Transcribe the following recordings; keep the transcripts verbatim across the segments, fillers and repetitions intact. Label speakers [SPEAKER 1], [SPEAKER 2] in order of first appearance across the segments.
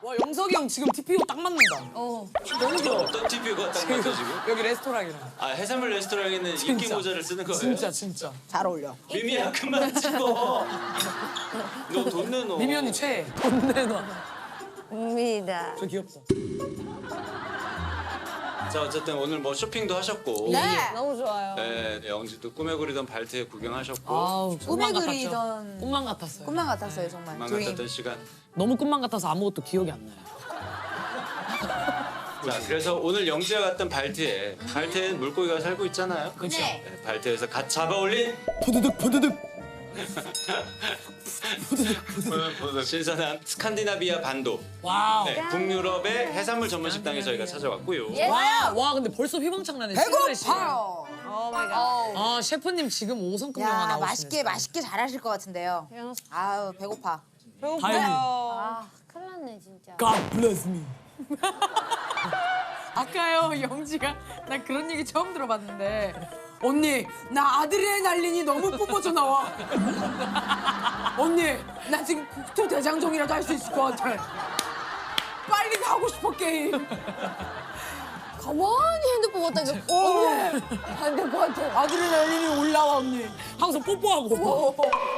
[SPEAKER 1] 와 영석이 형 지금 티피오 딱 맞는다.
[SPEAKER 2] 어.
[SPEAKER 3] 너무 좋아. 어떤 티피오가 딱 맞죠 지금?
[SPEAKER 1] 여기 레스토랑이랑.
[SPEAKER 3] 아 해산물 레스토랑에는 인기
[SPEAKER 1] 진짜.
[SPEAKER 3] 모자를 쓰는 거예요?
[SPEAKER 1] 진짜 진짜.
[SPEAKER 2] 잘 어울려.
[SPEAKER 3] 미미야 그만 찍어. 너 돈 내놔.
[SPEAKER 1] 미미 언니 최애. 돈 내놔.
[SPEAKER 4] 옵니다.
[SPEAKER 1] 저 귀엽다.
[SPEAKER 3] 자 어쨌든 오늘 뭐 쇼핑도 하셨고.
[SPEAKER 2] 네.
[SPEAKER 4] 너무 좋아요.
[SPEAKER 3] 네, 영지도 꿈에 그리던 발트에 구경하셨고.
[SPEAKER 1] 아우 꿈만
[SPEAKER 2] 꿈에
[SPEAKER 1] 같았죠.
[SPEAKER 2] 그리던
[SPEAKER 1] 꿈만 같았어요.
[SPEAKER 2] 꿈만 같았어요 정말.
[SPEAKER 3] 꿈만
[SPEAKER 2] 드림.
[SPEAKER 3] 같았던 시간.
[SPEAKER 1] 너무 꿈만 같아서 아무것도 기억이 안 나요.
[SPEAKER 3] 자 그래서 오늘 영지가 갔던 발트에 발트에는 물고기가 살고 있잖아요.
[SPEAKER 1] 그렇죠.
[SPEAKER 2] 네.
[SPEAKER 3] 네, 발트에서 갓 잡아올린
[SPEAKER 1] 푸드득 푸드득.
[SPEAKER 3] 신선한 스칸디나비아 반도.
[SPEAKER 1] 와우.
[SPEAKER 3] 네, 북유럽의 해산물 전문 식당에 저희가 찾아왔고요.
[SPEAKER 1] 와, 와 근데 벌써 휘방창 나네.
[SPEAKER 2] 배고파요.
[SPEAKER 4] 오 마이 갓.
[SPEAKER 1] 아 셰프님 지금 오 성급 영화
[SPEAKER 2] 야
[SPEAKER 1] 나오시네.
[SPEAKER 2] 맛있게 맛있게 잘하실 것 같은데요. 아우 배고파.
[SPEAKER 1] 다행히.
[SPEAKER 4] 아, 큰일 났네 진짜.
[SPEAKER 1] God bless me.
[SPEAKER 5] 아까요 영지가 나 그런 얘기 처음 들어봤는데 언니 나 아드레날린이 너무 뿜어져 나와. 언니 나 지금 국토 대장정이라도 할 수 있을 것 같아. 빨리 하고 싶어 게임.
[SPEAKER 4] 가만히 핸드폰 갖다 줘.
[SPEAKER 5] 언니
[SPEAKER 4] 안될 것 같아.
[SPEAKER 5] 아드레날린이 올라와 언니.
[SPEAKER 1] 항상 뽀뽀하고.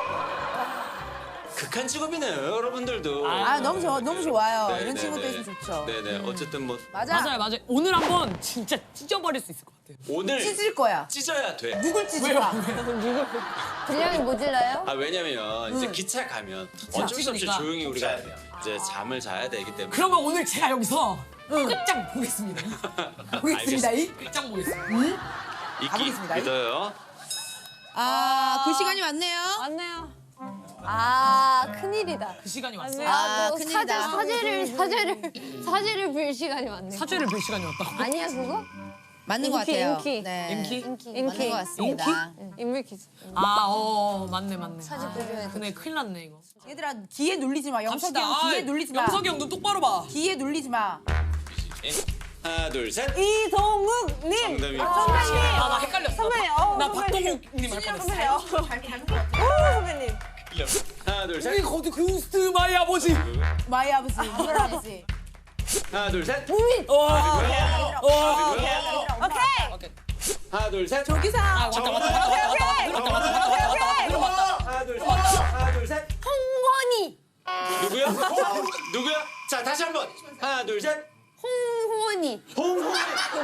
[SPEAKER 3] 극한 직업이네요, 여러분들도.
[SPEAKER 2] 아 너무 좋아 너무 좋아요.
[SPEAKER 3] 네,
[SPEAKER 2] 이런
[SPEAKER 3] 네,
[SPEAKER 2] 친구도
[SPEAKER 3] 네.
[SPEAKER 2] 있으면 좋죠.
[SPEAKER 3] 네네. 어쨌든 뭐
[SPEAKER 2] 맞아.
[SPEAKER 1] 맞아요 맞아요. 오늘 한번 진짜 찢어버릴 수 있을 것 같아요.
[SPEAKER 3] 오늘
[SPEAKER 2] 찢을 거야.
[SPEAKER 3] 찢어야 돼.
[SPEAKER 2] 누굴 찢을까?
[SPEAKER 4] 분량이 모질라요?
[SPEAKER 3] 아 왜냐면 이제 기차 가면 어쩔 수 없이
[SPEAKER 1] 찢으니까.
[SPEAKER 3] 조용히 우리가 이제 잠을 자야 되기 때문에.
[SPEAKER 1] 그러면 오늘 제가 여기서 끝장 보겠습니다.
[SPEAKER 2] 보겠습니다. 이.
[SPEAKER 1] 끝장 보겠습니다.
[SPEAKER 3] 이끼
[SPEAKER 2] 가보겠습니다.
[SPEAKER 3] 믿어요.
[SPEAKER 2] 아그 시간이 왔네요.
[SPEAKER 4] 맞네요. 아 큰일이다.
[SPEAKER 1] 그 시간이 왔어.
[SPEAKER 4] 네.
[SPEAKER 2] 아,
[SPEAKER 4] 아, 또 사제,
[SPEAKER 2] 큰일이다.
[SPEAKER 4] 사제를 사제를 사제를 빌 시간이 왔네.
[SPEAKER 1] 사죄를 빌 시간이 왔다고.
[SPEAKER 4] 아니야 그거?
[SPEAKER 2] 맞는 것
[SPEAKER 4] 인기,
[SPEAKER 2] 같아요.
[SPEAKER 4] 인기.
[SPEAKER 2] 네.
[SPEAKER 1] 인기?
[SPEAKER 4] 인기
[SPEAKER 2] 맞는
[SPEAKER 4] 인기
[SPEAKER 2] 것 같습니다.
[SPEAKER 4] 인물 퀴즈.
[SPEAKER 1] 아, 어, 맞네, 맞네.
[SPEAKER 4] 사진 보여줘야 돼.
[SPEAKER 1] 근데 큰일 났네, 이거.
[SPEAKER 2] 얘들아 기에 눌리지 마. 영석이
[SPEAKER 1] 갑시다.
[SPEAKER 2] 형 기에
[SPEAKER 1] 아이,
[SPEAKER 2] 눌리지 마.
[SPEAKER 1] 영석이 형 눈 똑바로 봐.
[SPEAKER 2] 기에 눌리지 마.
[SPEAKER 3] 하나 둘 셋.
[SPEAKER 4] 이동욱님.
[SPEAKER 3] 정답이.
[SPEAKER 4] 선배님.
[SPEAKER 1] 아, 나 헷갈렸어.
[SPEAKER 4] 선배님. 어,
[SPEAKER 1] 나
[SPEAKER 4] 선배님.
[SPEAKER 1] 박동욱님 할 뻔했어.
[SPEAKER 4] 선배님. 어. 오 선배님.
[SPEAKER 3] 하나 둘
[SPEAKER 1] 우리
[SPEAKER 3] 셋.
[SPEAKER 1] 거기 그스트 마이 아버지.
[SPEAKER 2] 마이 아버지 이걸 아버지.
[SPEAKER 3] 하나 둘 셋.
[SPEAKER 1] 와, 와.
[SPEAKER 4] 오케이.
[SPEAKER 3] 하나 둘 셋.
[SPEAKER 2] 조기사.
[SPEAKER 1] 왔다, 왔다, 왔다, 왔다, 왔다, 왔다, 왔다, 왔다, 왔다, 왔다, 들어봤다.
[SPEAKER 3] 하나 둘 셋. 하나 둘 셋.
[SPEAKER 4] 홍원이.
[SPEAKER 3] 누구야? 누구야? 자 다시 한번. 하나 둘 셋.
[SPEAKER 4] 홍원이.
[SPEAKER 3] 홍홍.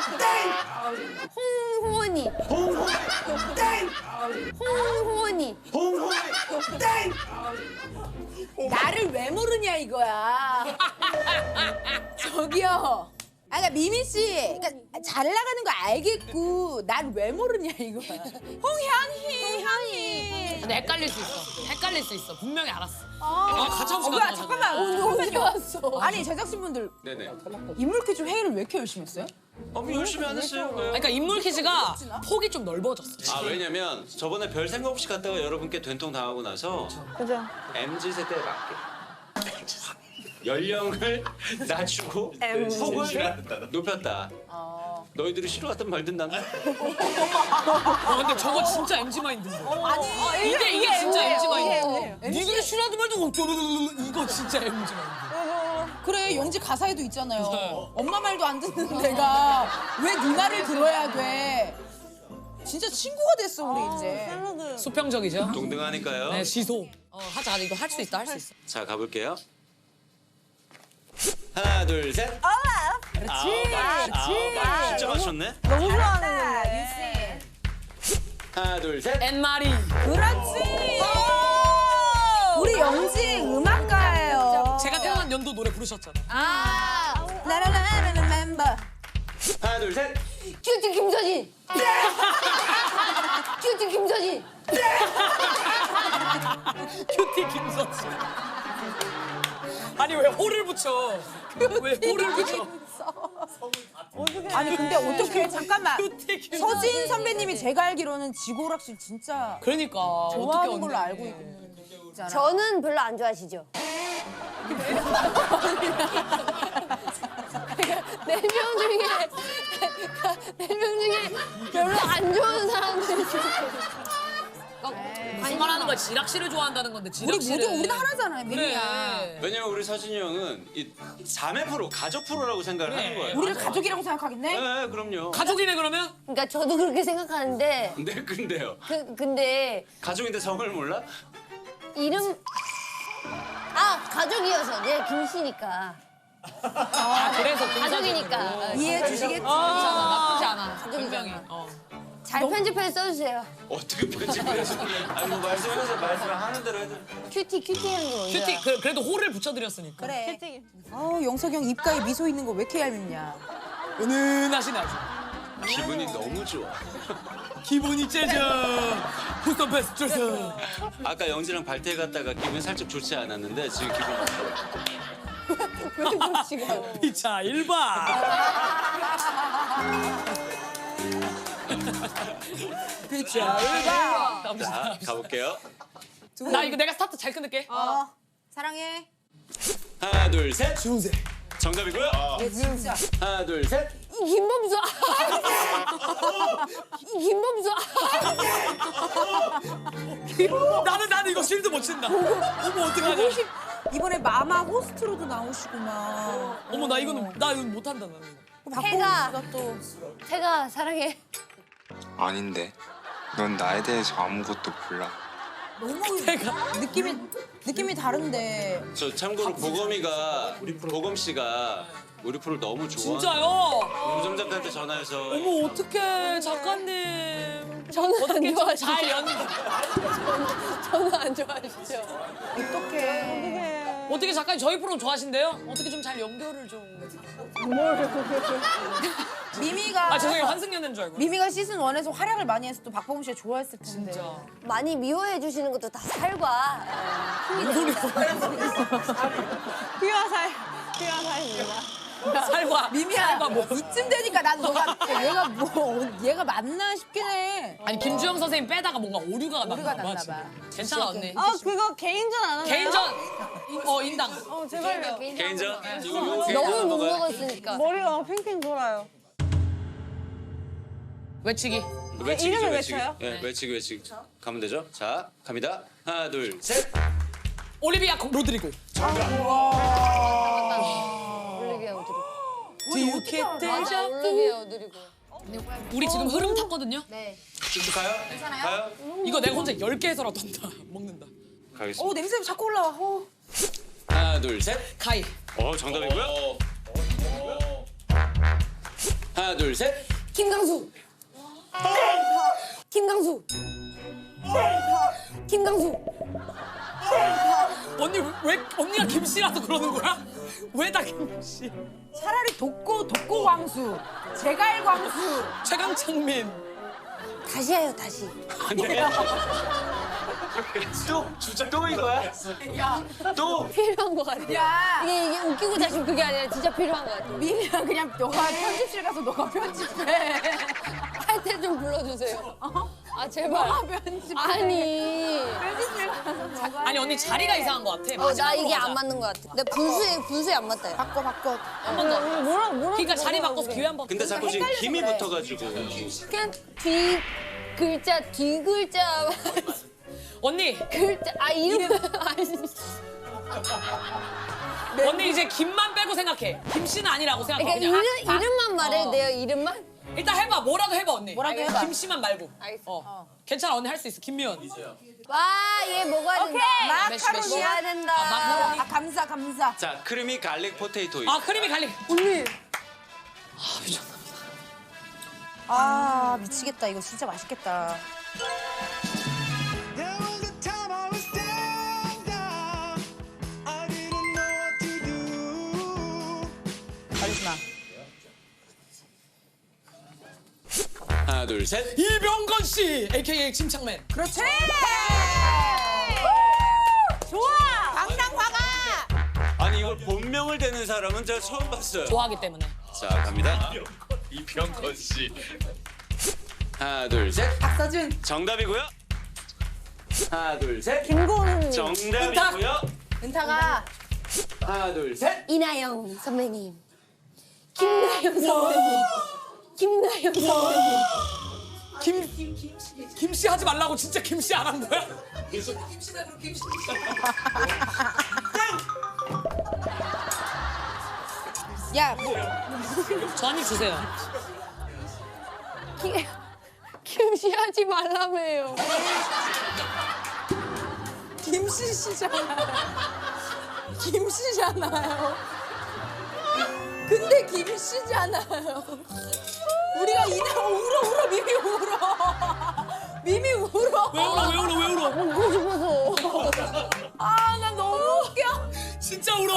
[SPEAKER 4] 홍원이.
[SPEAKER 3] 홍홍.
[SPEAKER 4] 홍원이.
[SPEAKER 3] 홍홍.
[SPEAKER 2] 나를 왜 모르냐 이거야. 저기요. 아, 그러니까 미미 씨, 그러니까 잘 나가는 거 알겠고 난 왜 모르냐 이거야. 홍현희, 현희.
[SPEAKER 1] 근데 헷갈릴 수 있어. 헷갈릴 수 있어. 분명히 알았어. 아, 가차없이
[SPEAKER 2] 어, 뭐야
[SPEAKER 1] 가져가자.
[SPEAKER 2] 잠깐만.
[SPEAKER 4] 어디 왔어?
[SPEAKER 2] 아니 제작진분들
[SPEAKER 3] 네네.
[SPEAKER 2] 인물 퀴즈 회의를 왜 이렇게 열심히 했어요?
[SPEAKER 3] 어, 뭐 열심히 안 했어요.
[SPEAKER 1] 그러니까 인물 퀴즈가 폭이 좀 넓어졌어.
[SPEAKER 3] 아 왜냐면 저번에 별 생각 없이 갔다가 여러분께 된통 당하고 나서
[SPEAKER 4] 그죠.
[SPEAKER 3] 엠지 세대에 맞게 연령을 낮추고 폭을 높였다. 너희들이 싫어하든 말든 난
[SPEAKER 1] 어, 근데 저거 진짜 엠지 마인드인데.
[SPEAKER 2] 아니
[SPEAKER 1] 이게 이게 진짜 엠지 마인드.
[SPEAKER 4] 엠지예요.
[SPEAKER 1] 니들이 싫어하든 말든 어쩌르르르 이거 진짜 엠지 마인드.
[SPEAKER 2] 그래 영지 가사에도 있잖아요.
[SPEAKER 1] 네.
[SPEAKER 2] 엄마 말도 안 듣는 내가 왜 네 말을 들어야 돼? 진짜 친구가 됐어 우리 이제.
[SPEAKER 1] 수평적이죠?
[SPEAKER 3] 동등하니까요.
[SPEAKER 1] 네, 시소. 어, 하자. 이거 할 수 있다. 할 수 있어.
[SPEAKER 3] 자 가볼게요. 하나 둘 셋.
[SPEAKER 2] 그렇지.
[SPEAKER 3] 아, 진짜 맞췄네.
[SPEAKER 4] 너무 좋아하는
[SPEAKER 3] 하나 둘 셋.
[SPEAKER 1] 앤마리.
[SPEAKER 2] 그렇지. 우리 영지 음악가예요.
[SPEAKER 1] 제가 태어난 연도 노래 부르셨잖아요.
[SPEAKER 4] 아.
[SPEAKER 2] 나라라라라 멤버.
[SPEAKER 3] 하나 둘 셋.
[SPEAKER 4] 큐티 김서진. 큐티 김서진.
[SPEAKER 1] 큐티 김서지. 아니 왜 호를 붙여? 왜 호를 붙여?
[SPEAKER 2] 아니 근데 어떻게 잠깐만.
[SPEAKER 1] 큐티 김서지.
[SPEAKER 2] 서진 선배님이 제가 알기로는 지고락실 진짜
[SPEAKER 1] 그러니까
[SPEAKER 2] 좋아하는
[SPEAKER 1] 어떻게
[SPEAKER 2] 걸로
[SPEAKER 1] 언니.
[SPEAKER 2] 알고 있잖아.
[SPEAKER 4] 저는 별로 안 좋아하시죠? 네 명 중에 네 명 중에 별로 안 좋아하는 사람들이 있어요.
[SPEAKER 1] 무슨 말 하는
[SPEAKER 5] 모두가 지락실을 좋아한다는 건데
[SPEAKER 2] 우리
[SPEAKER 5] 지락실을.
[SPEAKER 2] 모두 우리는 하나잖아요, 미미야.
[SPEAKER 5] 그래.
[SPEAKER 3] 왜냐면 우리 서진이 형은 이 자매 프로, 가족 프로라고 생각을
[SPEAKER 5] 그래.
[SPEAKER 3] 하는 거예요.
[SPEAKER 2] 우리를 가족이라고 생각하겠네?
[SPEAKER 3] 네, 그럼요.
[SPEAKER 5] 가족이네 그러면?
[SPEAKER 4] 그러니까 저도 그렇게 생각하는데
[SPEAKER 3] 네, 근데요.
[SPEAKER 4] 그 근데
[SPEAKER 3] 가족인데 성을 몰라?
[SPEAKER 4] 이름 아 가족이어서 내가 김씨니까
[SPEAKER 5] 아 그래서
[SPEAKER 4] 가족이니까
[SPEAKER 2] 이해해 주시겠지?
[SPEAKER 5] 나쁘지 않아.
[SPEAKER 4] 가족이잖아.
[SPEAKER 5] 굉장히. 어.
[SPEAKER 4] 잘 편집해서 써주세요.
[SPEAKER 3] 어떻게 편집을 해서? 아니 뭐 말씀해서 말씀하는 대로 해도.
[SPEAKER 4] 큐티 큐티 하는 거 뭔지
[SPEAKER 5] 큐티
[SPEAKER 4] 알아?
[SPEAKER 5] 그, 그래도 호를 붙여드렸으니까.
[SPEAKER 2] 그래. 아우 영석이 형 입가에 미소 있는 거 왜 이렇게 얄밉냐?
[SPEAKER 5] 은은하시네 아주.
[SPEAKER 3] 기분이 너무 좋아.
[SPEAKER 5] 기분이 째져. 부스터 패스 째져.
[SPEAKER 3] 아까 영지랑 발대 갔다가 기분이 살짝 좋지 않았는데 지금 기분이 좋아.
[SPEAKER 5] 피차 일반. 피차 일반.
[SPEAKER 3] 자, 가볼게요.
[SPEAKER 5] 나 이거 내가 스타트 잘 끊을게.
[SPEAKER 2] 어 사랑해.
[SPEAKER 3] 하나, 둘, 셋.
[SPEAKER 5] 주세.
[SPEAKER 3] 정답이고요.
[SPEAKER 2] 얘 진짜.
[SPEAKER 3] 하나, 둘, 셋.
[SPEAKER 4] 이 김범수 이 김범수
[SPEAKER 5] 나는 나는 이거 실드 못 친다. 어머 어떡하냐.
[SPEAKER 2] 이번에 마마 호스트로도 나오시구나.
[SPEAKER 5] 어머 나 이거는 나 이거 못한다 나는.
[SPEAKER 4] 태가.
[SPEAKER 2] 박보검 씨가 또
[SPEAKER 4] 태가 사랑해.
[SPEAKER 6] 아닌데. 넌 나에 대해서 아무것도 몰라.
[SPEAKER 2] 너무 느낌이 느낌이 다른데.
[SPEAKER 3] 저 참고로 보검이가 보검 씨가 우리 프로를 너무 좋아.
[SPEAKER 5] 진짜요?
[SPEAKER 3] 우정 작가한테 전화해서
[SPEAKER 5] 어머 어떡해 작가님.
[SPEAKER 4] 저는 안
[SPEAKER 5] 어떻게 좀
[SPEAKER 4] 좋아하시죠?
[SPEAKER 5] 잘 연.
[SPEAKER 4] 저는 안 좋아하시죠?
[SPEAKER 2] 어떡해.
[SPEAKER 5] 어떻게 작가님 저희 프로 좋아하신대요? 어떻게 좀 잘 연결을 좀.
[SPEAKER 2] 미미가
[SPEAKER 5] 아 죄송해요 환승연애인 줄 알고.
[SPEAKER 2] 미미가 시즌 원에서 활약을 많이 해서 또 박보검 씨가 좋아했을 텐데.
[SPEAKER 5] 진짜.
[SPEAKER 4] 많이 미워해 주시는 것도 다 살과
[SPEAKER 5] 뭔 소리야? 살과.
[SPEAKER 2] 미미야
[SPEAKER 5] 살과 뭐.
[SPEAKER 2] 이쯤 되니까 난 너가 얘가 뭐 얘가 맞나 싶긴 해.
[SPEAKER 5] 아니 김주영 선생님 빼다가 뭔가 오류가
[SPEAKER 2] 오류가
[SPEAKER 5] 났나 봐.
[SPEAKER 2] 났나
[SPEAKER 5] 지금.
[SPEAKER 2] 봐.
[SPEAKER 5] 괜찮아 언니.
[SPEAKER 7] 아 그거 개인전 안 하나요?
[SPEAKER 5] 개인전 어 인당.
[SPEAKER 7] 어 제발요.
[SPEAKER 3] 개인전?
[SPEAKER 5] 네.
[SPEAKER 3] 이거 이거
[SPEAKER 4] 너무
[SPEAKER 3] 개인전
[SPEAKER 4] 못
[SPEAKER 3] 먹어요?
[SPEAKER 4] 먹었으니까.
[SPEAKER 7] 머리가 막 팽팽 돌아요.
[SPEAKER 5] 외치기.
[SPEAKER 3] 외치기죠,
[SPEAKER 7] 이름을
[SPEAKER 3] 외치기.
[SPEAKER 7] 외쳐요?
[SPEAKER 3] 네, 외치기 외치기. 가면 되죠? 자, 갑니다. 하나, 둘, 셋.
[SPEAKER 5] 올리비아 로드리고.
[SPEAKER 4] 올리비아 오드리고.
[SPEAKER 5] 디우케
[SPEAKER 4] 맞아 올리비아 오드리고.
[SPEAKER 5] 우리 지금 흐름 탔거든요.
[SPEAKER 4] 네.
[SPEAKER 3] 쭉쭉 가요? 괜찮아요? 가요?
[SPEAKER 5] 이거 내가 혼자 열 개 해서라도 한다. 먹는다.
[SPEAKER 3] 가겠습니다.
[SPEAKER 2] 어 냄새 자꾸 올라와. 어.
[SPEAKER 3] 하나, 둘, 셋.
[SPEAKER 5] 가이.
[SPEAKER 3] 어, 정답이고요. 하나, 둘, 셋.
[SPEAKER 4] 김강수. 김강수. 김강수.
[SPEAKER 5] 언니 왜 언니가 김씨라서 그러는 거야? 왜 다 김씨?
[SPEAKER 2] 차라리 독고 독고 광수, 제갈 광수.
[SPEAKER 5] 최강창민.
[SPEAKER 4] 다시 해요 다시.
[SPEAKER 3] 또 주작 또 이거야? 또
[SPEAKER 4] 필요한 것 같아.
[SPEAKER 2] 야
[SPEAKER 4] 이게 이게 웃기고 자신 그게 아니라 진짜 필요한 것 같아.
[SPEAKER 2] 미미야 그냥 너가 편집실 가서 너가 편집해.
[SPEAKER 4] 할 때 좀 불러주세요. 아 제발.
[SPEAKER 2] 편집해.
[SPEAKER 4] 아니.
[SPEAKER 2] 편집실 가서 너가.
[SPEAKER 5] 아니 언니 자리가 이상한 것 같아.
[SPEAKER 4] 어, 나
[SPEAKER 5] 마지막으로
[SPEAKER 4] 이게
[SPEAKER 5] 가자.
[SPEAKER 4] 안 맞는 것 같아. 내 분수에 분수에 안 맞다. 야.
[SPEAKER 2] 바꿔 바꿔.
[SPEAKER 5] 한 번 더.
[SPEAKER 7] 뭐라 뭐라.
[SPEAKER 5] 그러니까 자리 바꿔서 기회 한 번.
[SPEAKER 3] 근데 자꾸 지금 힘이 붙어가지고
[SPEAKER 4] 그냥 뒤 글자 뒤 글자
[SPEAKER 5] 언니
[SPEAKER 4] 글자 아 이름 아니.
[SPEAKER 5] 언니 이제 김만 빼고 생각해. 김씨는 아니라고 생각해.
[SPEAKER 4] 그러니까
[SPEAKER 5] 그냥.
[SPEAKER 4] 이름
[SPEAKER 5] 아, 아.
[SPEAKER 4] 이름만 말해도
[SPEAKER 5] 어.
[SPEAKER 4] 돼요 이름만.
[SPEAKER 5] 일단 해봐. 뭐라도 해봐 언니.
[SPEAKER 2] 뭐라도
[SPEAKER 5] 알겠어.
[SPEAKER 2] 해봐.
[SPEAKER 5] 김씨만 말고.
[SPEAKER 4] 알겠어.
[SPEAKER 5] 어. 괜찮아 언니 할 수 있어. 김미연.
[SPEAKER 4] 와얘 먹어야 된다.
[SPEAKER 2] 마카로니야.
[SPEAKER 4] 먹어야 된다.
[SPEAKER 5] 아, 마카로니.
[SPEAKER 2] 아 감사 감사.
[SPEAKER 3] 자, 크리미 갈릭 포테이토.
[SPEAKER 5] 아 크림이 갈릭.
[SPEAKER 4] 언니.
[SPEAKER 2] 아 미치겠다 이거 진짜 맛있겠다.
[SPEAKER 8] There was a time I was down, down. I didn't know what to do.
[SPEAKER 2] 카리스마.
[SPEAKER 3] 하나, 둘, 셋.
[SPEAKER 5] 이병건 씨, 에이케이에이 침착맨.
[SPEAKER 2] 그렇지. 좋아. 당당 화가.
[SPEAKER 3] 아니 이걸 본명을 대는 사람은 제가 처음 봤어요.
[SPEAKER 5] 좋아하기 때문에.
[SPEAKER 3] 자, 갑니다. 이병건 씨. 하나, 둘, 셋.
[SPEAKER 2] 박서준.
[SPEAKER 3] 정답이고요. 하나, 둘, 셋.
[SPEAKER 4] 김고은.
[SPEAKER 3] 정답이고요.
[SPEAKER 2] 은타가.
[SPEAKER 3] 하나, 둘, 셋.
[SPEAKER 4] 이나영 선배님. 김나영 선배님. 김나영 선배님.
[SPEAKER 1] 김 김씨 하지 말라고 진짜 김씨 안 한 거야?
[SPEAKER 2] 야,
[SPEAKER 1] 저 한 입 주세요.
[SPEAKER 4] 김- 김씨 하지 말라며요.
[SPEAKER 2] 김씨 씨잖아요. 김씨잖아요. 근데 김씨잖아요. 우리가 이날 울어 울어 미미 울어. 미미 울어.
[SPEAKER 1] 왜 울어 왜 울어 왜 울어?
[SPEAKER 4] 먹고 싶어서.
[SPEAKER 2] 아, 나 너무 웃겨.
[SPEAKER 1] 진짜 울어.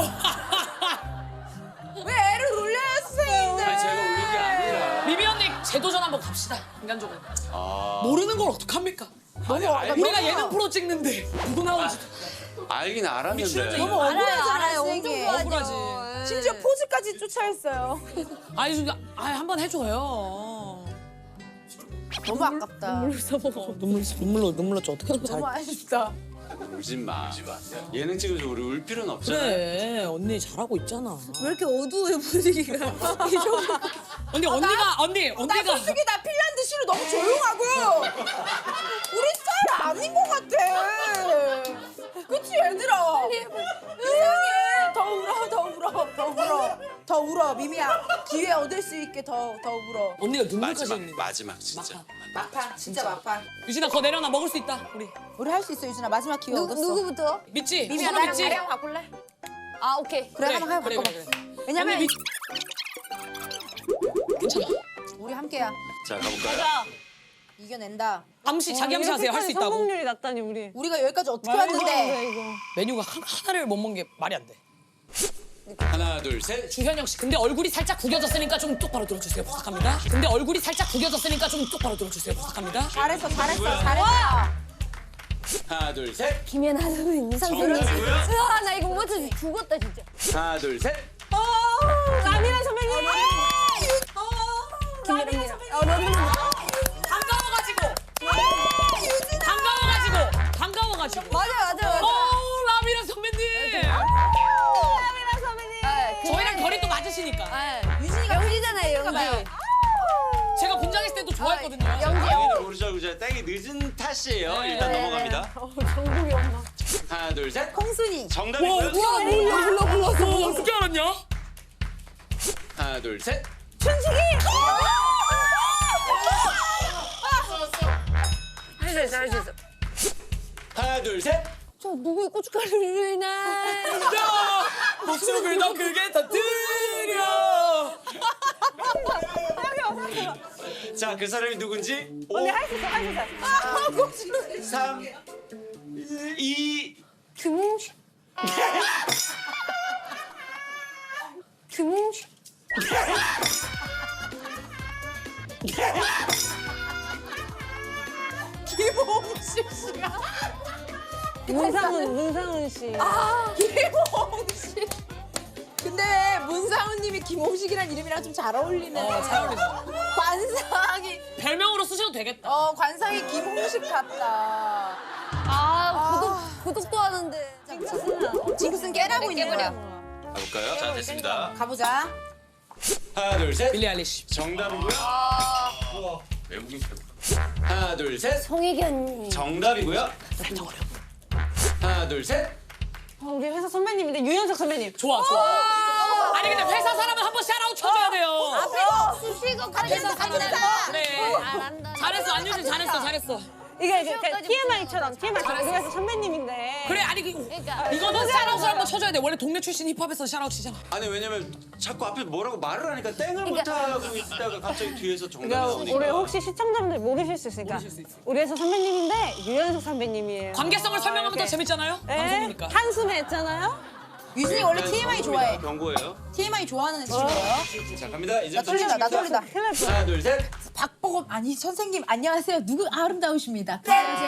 [SPEAKER 2] 왜 애를 울려요, 선생님들?
[SPEAKER 3] 아니 제가 울린 게 아니라.
[SPEAKER 1] 미미 언니 재도전 한번 갑시다. 인간적으로.
[SPEAKER 3] 아
[SPEAKER 1] 모르는 걸 어떡합니까?
[SPEAKER 3] 아니, 알,
[SPEAKER 1] 우리가 예능 프로 찍는데 누구 나오는지.
[SPEAKER 3] 알긴 알았는데.
[SPEAKER 2] 너무 억울하잖아,
[SPEAKER 4] 알아요. 엄청
[SPEAKER 2] 선생님.
[SPEAKER 4] 좋아하죠.
[SPEAKER 1] 억울하지.
[SPEAKER 4] 예.
[SPEAKER 2] 심지어 포즈까지 쫓아했어요.
[SPEAKER 1] 아니 진짜 아니 한번 해줘요.
[SPEAKER 2] 너무 아깝다.
[SPEAKER 1] 어, 눈물 눈물로 눈물로 좀 어떻게 하는
[SPEAKER 2] 너무 아쉽다.
[SPEAKER 3] 울진 마. 예능 찍어서 우리 울 필요는 없잖아요.
[SPEAKER 1] 그래 언니 잘하고 있잖아.
[SPEAKER 2] 왜 이렇게 어두워요, 분위기가? 이 정도.
[SPEAKER 1] 언니 언니가 언니
[SPEAKER 2] 나
[SPEAKER 1] 언니가
[SPEAKER 2] 솔직히 나 핀란드 씨로 너무 조용하고 우리 스타일 아닌 것 같아. 그치 얘들아? 이상해. 더 울어, 더 울어, 더 울어, 더 울어. 미미야 기회 얻을 수 있게 더 더 울어.
[SPEAKER 1] 언니가 눈물까지
[SPEAKER 3] 마지막
[SPEAKER 1] 흘리네.
[SPEAKER 3] 마지막 진짜.
[SPEAKER 2] 막판, 진짜 막판.
[SPEAKER 1] 유진아 거 내려놔 먹을 수 있다 우리.
[SPEAKER 2] 우리 할 수 있어, 유진아. 마지막 기회
[SPEAKER 4] 누,
[SPEAKER 2] 얻었어.
[SPEAKER 4] 누구부터?
[SPEAKER 1] 믿지?
[SPEAKER 2] 미미야
[SPEAKER 1] 서로
[SPEAKER 2] 나랑
[SPEAKER 1] 믿지?
[SPEAKER 2] 나랑 바꿀래?
[SPEAKER 4] 아 오케이.
[SPEAKER 2] 그래, 한번 해봐.
[SPEAKER 1] 그래
[SPEAKER 2] 바꿔봐.
[SPEAKER 1] 그래 그래.
[SPEAKER 2] 왜냐면
[SPEAKER 1] 언니 믿... 괜찮아.
[SPEAKER 2] 우리 함께야.
[SPEAKER 3] 자 가볼까요?
[SPEAKER 2] 이겨낸다.
[SPEAKER 1] 암시 자기 암시 하세요. 할 수 있다고.
[SPEAKER 7] 성공률이 낮다니 우리.
[SPEAKER 2] 우리가 여기까지 어떻게
[SPEAKER 7] 말도 안
[SPEAKER 2] 왔는데?
[SPEAKER 7] 돼, 이거.
[SPEAKER 1] 메뉴가 한, 하나를 못 먹는 게 말이 안 돼.
[SPEAKER 3] 하나 둘 셋.
[SPEAKER 1] 주현영 씨, 근데 얼굴이 살짝 구겨졌으니까 좀 똑바로 들어주세요. 부탁합니다. 근데 얼굴이 살짝 구겨졌으니까 좀 똑바로 들어주세요. 부탁합니다.
[SPEAKER 2] 잘했어, 잘했어, 잘했어.
[SPEAKER 3] 하나 둘 셋.
[SPEAKER 4] 김연아 선생님, 이상 선생님.
[SPEAKER 3] 정답이고요.
[SPEAKER 4] 으아 나 이거 못 맞춰서 죽었다 진짜.
[SPEAKER 3] 하나 둘 셋.
[SPEAKER 7] 라미란 선배님.
[SPEAKER 4] 김연아 선생님. 어 너무
[SPEAKER 1] 반가워가지고. 반가워가지고. 반가워가지고.
[SPEAKER 4] 맞아 맞아 맞아.
[SPEAKER 1] 어, 라미라 선배님.
[SPEAKER 7] 라미란 선배님.
[SPEAKER 4] 아,
[SPEAKER 1] 저희랑 결이 또 맞으시니까.
[SPEAKER 4] 아,
[SPEAKER 2] 유진이가
[SPEAKER 4] 영지잖아요 영지.
[SPEAKER 2] 봐요.
[SPEAKER 1] 제가 분장했을
[SPEAKER 4] 아,
[SPEAKER 1] 때도 좋아했거든요.
[SPEAKER 4] 영지.
[SPEAKER 3] 당연히 모르죠 모르죠. 땡이 늦은 탓이에요.
[SPEAKER 1] 네.
[SPEAKER 3] 일단
[SPEAKER 4] 네,
[SPEAKER 3] 넘어갑니다.
[SPEAKER 7] 정국이 엄마.
[SPEAKER 3] 하나 둘 셋.
[SPEAKER 2] 콩순이.
[SPEAKER 3] 정답이고요.
[SPEAKER 1] 불러 불러 불러. 어떻게 알았냐?
[SPEAKER 3] 하나 둘 셋.
[SPEAKER 4] 할 수 있어 할 수 있어.
[SPEAKER 3] 하나 둘 셋.
[SPEAKER 4] 저 누구의 고춧가루를 나.
[SPEAKER 1] 야, 목숨을 더 크게 터뜨려.
[SPEAKER 3] 자 그 사람이 누군지.
[SPEAKER 7] 언니 할 수 있어, 할 수 있어.
[SPEAKER 3] 삼 이
[SPEAKER 4] 김홍식. 김홍식.
[SPEAKER 2] 김홍식 씨가.
[SPEAKER 7] 문상훈, 문상훈 씨.
[SPEAKER 2] 아, 김홍식. 근데 왜 문상훈님이 김홍식이란 이름이랑 좀 잘 어울리네.
[SPEAKER 1] 어, 잘 어울리죠.
[SPEAKER 2] 관상이,
[SPEAKER 1] 별명으로 쓰셔도 되겠다.
[SPEAKER 2] 어, 관상이 김홍식 같다.
[SPEAKER 4] 아 구독 구독도 하는데.
[SPEAKER 2] 징크스는 깨라고 있는 거야.
[SPEAKER 3] 가볼까요? 자 됐습니다.
[SPEAKER 2] 가보자.
[SPEAKER 3] 하나 둘 셋.
[SPEAKER 1] 빌리 알리시.
[SPEAKER 3] 정답이고요. 우와, 외국인 하나 둘 셋.
[SPEAKER 4] 송혜견.
[SPEAKER 3] 정답이고요. 하나 둘 셋.
[SPEAKER 7] 어, 우리 회사 선배님인데 유연석 선배님.
[SPEAKER 1] 좋아 좋아. 아니 근데 회사 사람은 한번 샤라웃 쳐줘야 돼요.
[SPEAKER 2] 앞에서
[SPEAKER 4] 수식어
[SPEAKER 2] 같은
[SPEAKER 4] 같은
[SPEAKER 2] 사.
[SPEAKER 1] 그래.
[SPEAKER 4] 잘한다.
[SPEAKER 1] 잘했어 안유진 잘했어 잘했어.
[SPEAKER 7] 이게 이게
[SPEAKER 4] 수영까지
[SPEAKER 7] 티엠아이처럼 티엠아이처럼 우리 회사 선배님인데.
[SPEAKER 1] 그래 아니 그
[SPEAKER 4] 그러니까
[SPEAKER 1] 이거는 샤라웃을 한번 쳐줘야 돼. 원래 동네 출신 힙합에서 샤라웃 치잖아.
[SPEAKER 3] 아니 왜냐면 자꾸 앞에 뭐라고 말을 하니까 땡을 못 하고 있다가 갑자기 뒤에서 정답이
[SPEAKER 7] 그러니까
[SPEAKER 3] 나오니까.
[SPEAKER 7] 우리 혹시 시청자분들 모르실 수 있으니까 우리 회사 선배님인데 유연석 선배님이에요.
[SPEAKER 1] 관계성을 설명하면 더
[SPEAKER 7] 이렇게.
[SPEAKER 1] 재밌잖아요.
[SPEAKER 7] 네,
[SPEAKER 1] 방송이니까.
[SPEAKER 7] 한숨에 했잖아요.
[SPEAKER 2] 유진이 원래 티엠아이 좋아해.
[SPEAKER 3] 경고예요.
[SPEAKER 2] 티엠아이 좋아하는 친구예요.
[SPEAKER 3] 자 갑니다. 이제
[SPEAKER 2] 나 떨린다, 나 떨린다.
[SPEAKER 7] 큰일 날 뻔.
[SPEAKER 3] 하나 둘 셋.
[SPEAKER 2] 박보검, 아니 선생님 안녕하세요. 누구 아름다우십니다. 제가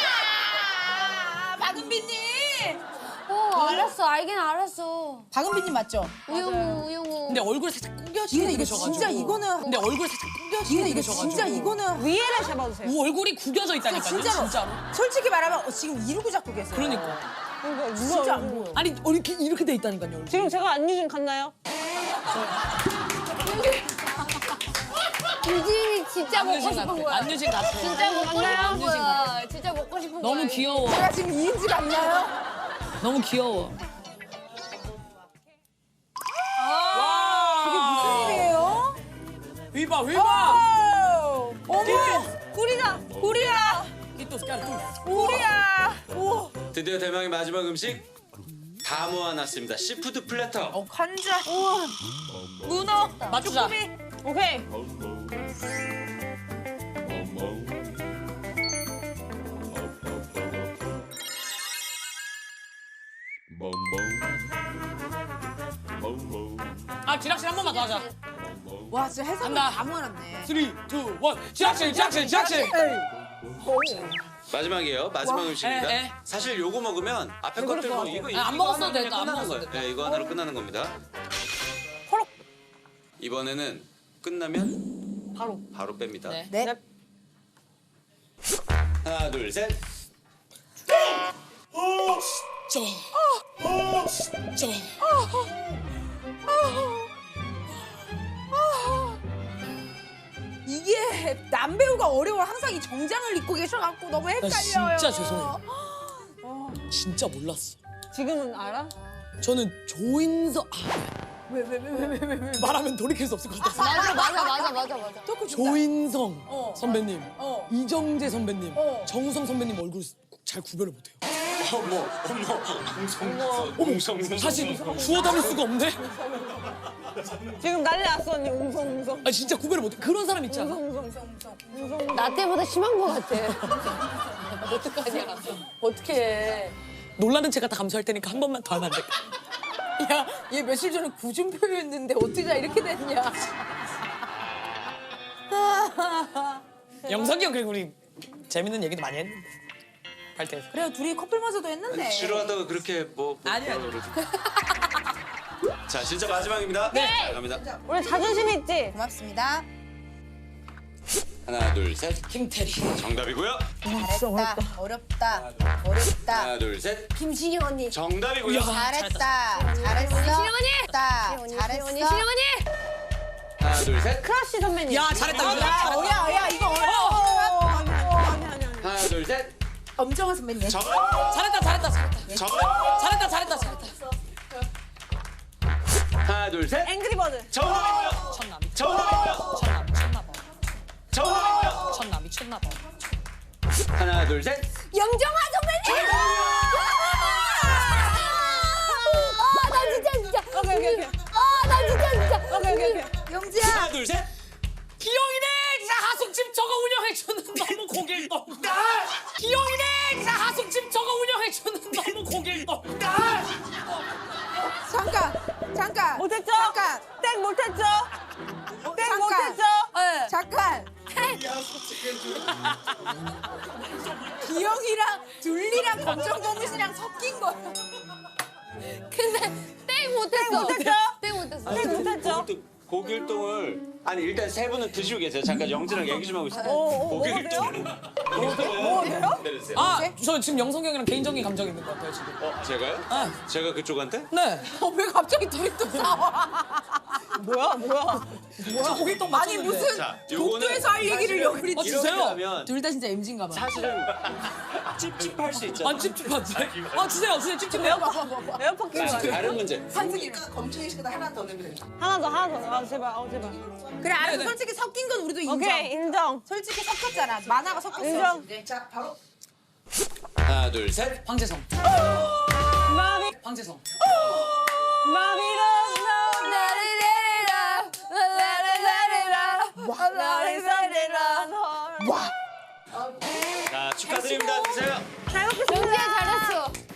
[SPEAKER 2] 아, 박은비님.
[SPEAKER 4] 어 알았어 알긴 알았어.
[SPEAKER 2] 박은비님 맞죠?
[SPEAKER 4] 우영우 우영우.
[SPEAKER 1] 근데 얼굴 살짝
[SPEAKER 2] 이거
[SPEAKER 1] 구겨지게
[SPEAKER 2] 이거
[SPEAKER 1] 되셔가지고.
[SPEAKER 2] 진짜 이거는.
[SPEAKER 1] 근데 얼굴 살짝
[SPEAKER 2] 이거
[SPEAKER 1] 구겨지게
[SPEAKER 2] 이거
[SPEAKER 1] 되셔가지고.
[SPEAKER 2] 진짜 이거는.
[SPEAKER 7] 위에를 잡아주세요.
[SPEAKER 1] 우 얼굴이 구겨져 있다니까요.
[SPEAKER 2] 진짜로.
[SPEAKER 1] 진짜로.
[SPEAKER 2] 솔직히 말하면 어, 지금 이러고 잡고 계세요.
[SPEAKER 1] 그러니까.
[SPEAKER 7] 이거
[SPEAKER 2] 진짜 안 보여.
[SPEAKER 1] 아니 이렇게 이렇게 돼 있다니까요. 얼굴.
[SPEAKER 7] 지금 제가 안유진 갔나요?
[SPEAKER 4] 유진이 진짜 먹고
[SPEAKER 1] 안유진
[SPEAKER 4] 싶은
[SPEAKER 1] 같아.
[SPEAKER 4] 거야.
[SPEAKER 1] 안유진 같아.
[SPEAKER 4] 진짜 먹고 싶은
[SPEAKER 1] 안유진
[SPEAKER 4] 거야. 진짜 먹고 싶은 거야.
[SPEAKER 1] 너무 귀여워.
[SPEAKER 2] 제가 지금 이인지 같나요?
[SPEAKER 1] 너무 귀여워.
[SPEAKER 2] 이게 무슨 일이에요?
[SPEAKER 1] 휘바 휘바.
[SPEAKER 2] 어머, 꿀이다, 꿀이야,
[SPEAKER 1] 끼또 스카르.
[SPEAKER 2] 꿀이야. 우와,
[SPEAKER 3] 드디어 대망의 마지막 음식 다 모아놨습니다. 시푸드 플래터.
[SPEAKER 2] 어, 관자, 우와, 문어,
[SPEAKER 1] 맞추자.
[SPEAKER 7] 오케이.
[SPEAKER 1] 아 지락실 한 번만 더 하자.
[SPEAKER 2] 와, 진짜 해산물
[SPEAKER 1] 간다.
[SPEAKER 2] 다 모아놨네.
[SPEAKER 1] 쓰리, 투, 원. 지락실 지락실 지락실.
[SPEAKER 3] 마지막이에요. 마지막
[SPEAKER 1] 와,
[SPEAKER 3] 음식입니다.
[SPEAKER 1] 에, 에.
[SPEAKER 3] 사실 요거 먹으면 앞에 것들 뭐 이거 이거
[SPEAKER 1] 안 먹었어도
[SPEAKER 3] 하나로
[SPEAKER 1] 됐다, 안
[SPEAKER 3] 끝나는
[SPEAKER 1] 먹었어도
[SPEAKER 3] 거예요. 네, 이거 하나로 끝나는 겁니다. 이번에는 끝나면
[SPEAKER 7] 바로.
[SPEAKER 3] 바로 뺍니다.
[SPEAKER 1] 네.
[SPEAKER 2] 네.
[SPEAKER 3] 하나, 둘, 셋.
[SPEAKER 1] 저. 저.
[SPEAKER 2] 이게 남배우가 어려워. 항상 이 정장을 입고 계셔갖고 너무
[SPEAKER 1] 나
[SPEAKER 2] 헷갈려요.
[SPEAKER 1] 진짜 죄송해요. 진짜 몰랐어.
[SPEAKER 7] 지금은 알아?
[SPEAKER 1] 저는 조인성 아,
[SPEAKER 2] 왜 왜 왜 왜 왜 왜?
[SPEAKER 1] 말하면 돌이킬 수 없을 것 같아서.
[SPEAKER 4] 맞아 맞아 맞아 맞아 맞아.
[SPEAKER 2] 조금
[SPEAKER 1] 조인성
[SPEAKER 2] 어.
[SPEAKER 1] 선배님,
[SPEAKER 2] 어.
[SPEAKER 1] 이정재 선배님,
[SPEAKER 2] 어.
[SPEAKER 1] 정우성 선배님 얼굴 잘 구별을 못해요.
[SPEAKER 3] 어머, 어머, 웅성, 웅성, 웅성.
[SPEAKER 1] 사실 주워 담을 수가 없네.
[SPEAKER 7] 지금 난리 났어 언니. 웅성 웅성.
[SPEAKER 1] 아 진짜 구별을 못해. 그런 사람 있잖아.
[SPEAKER 4] 나 때보다 심한 거 같아. 어떡하냐. 어떡해.
[SPEAKER 1] 놀라는 체 갖다 감수할 테니까 한 번만 더 하면 안 될까?
[SPEAKER 2] 야, 얘 며칠 전에 구준표였는데 어떻게 다 이렇게 됐냐?
[SPEAKER 1] 영석이 형 그리고 우리 재밌는 얘기도 많이 했는데 발대에서.
[SPEAKER 2] 그래요, 둘이 커플 마저도 했는데.
[SPEAKER 3] 지루하다가 그렇게 뭐. 뭐
[SPEAKER 1] 아니, 아니.
[SPEAKER 3] 뭐 자, 진짜 마지막입니다. 네. 자, 갑니다.
[SPEAKER 7] 우리 자존심 있지?
[SPEAKER 2] 고맙습니다.
[SPEAKER 3] 하나, 둘, 셋.
[SPEAKER 1] 김태리.
[SPEAKER 3] 정답이고요.
[SPEAKER 2] 잘했다. 어렵다. 어렵다.
[SPEAKER 3] 하나, 둘, 셋.
[SPEAKER 4] 김신영 언니.
[SPEAKER 3] 정답이고요.
[SPEAKER 2] 잘했다. 잘했어.
[SPEAKER 4] 신영 언니.
[SPEAKER 2] 잘했다.
[SPEAKER 4] 신영 언니.
[SPEAKER 2] 잘했어.
[SPEAKER 4] 신영 언니.
[SPEAKER 3] 하나, 둘, 셋.
[SPEAKER 7] 크러쉬 선배님.
[SPEAKER 1] 야 잘했다.
[SPEAKER 2] 야,
[SPEAKER 1] 잘했다.
[SPEAKER 2] 어, 야, 야, 이거 어려워.
[SPEAKER 7] 아니 아니 아니.
[SPEAKER 3] 하나, 둘, 셋.
[SPEAKER 2] 엄정화 선배님.
[SPEAKER 3] 정.
[SPEAKER 1] 잘했다 잘했다 잘했다.
[SPEAKER 3] 정.
[SPEAKER 1] 잘했다 잘했다 잘했다.
[SPEAKER 3] 하나, 둘, 셋.
[SPEAKER 7] 앵그리버드.
[SPEAKER 3] 정답이고요.
[SPEAKER 1] 미쳤나
[SPEAKER 3] 정답이고요.
[SPEAKER 1] 미쳤나 미쳤나 봐.
[SPEAKER 3] 정답이고요.
[SPEAKER 1] 미쳤나 미쳤나 봐.
[SPEAKER 3] 하나, 둘, 셋.
[SPEAKER 4] 영정화 선배님. 아나 진짜 진짜.
[SPEAKER 7] 오케이 오케이 오케이.
[SPEAKER 4] 아나 진짜 진짜.
[SPEAKER 7] 오케이 오케이 오케이.
[SPEAKER 2] 영지야.
[SPEAKER 3] 하나, 둘, 셋.
[SPEAKER 1] 기영이네 자 하숙집 저거 운영해주는 너무 고길 떴다. 기영이네 자 하숙집 저거 해주는 너무 고길 높다.
[SPEAKER 2] 잠깐, 잠깐.
[SPEAKER 7] 못했죠?
[SPEAKER 2] 잠깐.
[SPEAKER 7] 땡 못했죠? 땡
[SPEAKER 2] 잠깐.
[SPEAKER 7] 못했죠?
[SPEAKER 2] 네. 잠깐. 기영이랑 둘리랑 검정고무 씨랑 섞인 거야.
[SPEAKER 4] 근데 땡 못했어.
[SPEAKER 7] 못했죠?
[SPEAKER 4] 땡 못했어.
[SPEAKER 7] 땡 못했죠?
[SPEAKER 3] 고길동을 아니 일단 세 분은 드시고 계세요. 잠깐 영지랑 얘기 좀 하고 있어요.
[SPEAKER 7] 어,
[SPEAKER 3] 고길동.
[SPEAKER 7] 뭐예요?
[SPEAKER 3] 내려주세요.
[SPEAKER 1] 아, 저 지금 영석이 형이랑 개인적인 감정이 있는 것 같아요 지금.
[SPEAKER 3] 어, 제가요?
[SPEAKER 1] 아.
[SPEAKER 3] 제가 그쪽한테?
[SPEAKER 1] 네.
[SPEAKER 2] 어, 왜 갑자기 둘이 또 싸워?
[SPEAKER 7] 뭐야 뭐야?
[SPEAKER 1] 저 고길동
[SPEAKER 2] 아니
[SPEAKER 1] 맞췄는데.
[SPEAKER 2] 무슨
[SPEAKER 3] 자, 요거는
[SPEAKER 2] 독도에서 할 얘기를 여기
[SPEAKER 1] 아,
[SPEAKER 3] 이렇게
[SPEAKER 1] 주세요.
[SPEAKER 3] 하면
[SPEAKER 2] 둘 다 진짜 엠진가 봐.
[SPEAKER 3] 사실은 찝찝할 수 있잖아.
[SPEAKER 1] 아 찝찝하지? 아 주세요 주세요 찝찝해요?
[SPEAKER 7] 에어팟 끼고
[SPEAKER 3] 자,
[SPEAKER 7] 가요.
[SPEAKER 3] 다른 문제.
[SPEAKER 7] 하나 더 하나 더. 아 제발 아 제발.
[SPEAKER 2] 그래 알았어. 솔직히 섞인 건 우리도 인정.
[SPEAKER 7] 오케이 인정.
[SPEAKER 2] 솔직히 섞였잖아. 만화가 섞였어.
[SPEAKER 7] 인정.
[SPEAKER 3] 하나, 둘, 셋.
[SPEAKER 1] 황재성.
[SPEAKER 7] 마비
[SPEAKER 1] 황재성.
[SPEAKER 7] 마비로
[SPEAKER 3] 자, 축하드립니다. 드세요.
[SPEAKER 7] 잘 먹겠습니다.
[SPEAKER 4] 영지야 잘했어.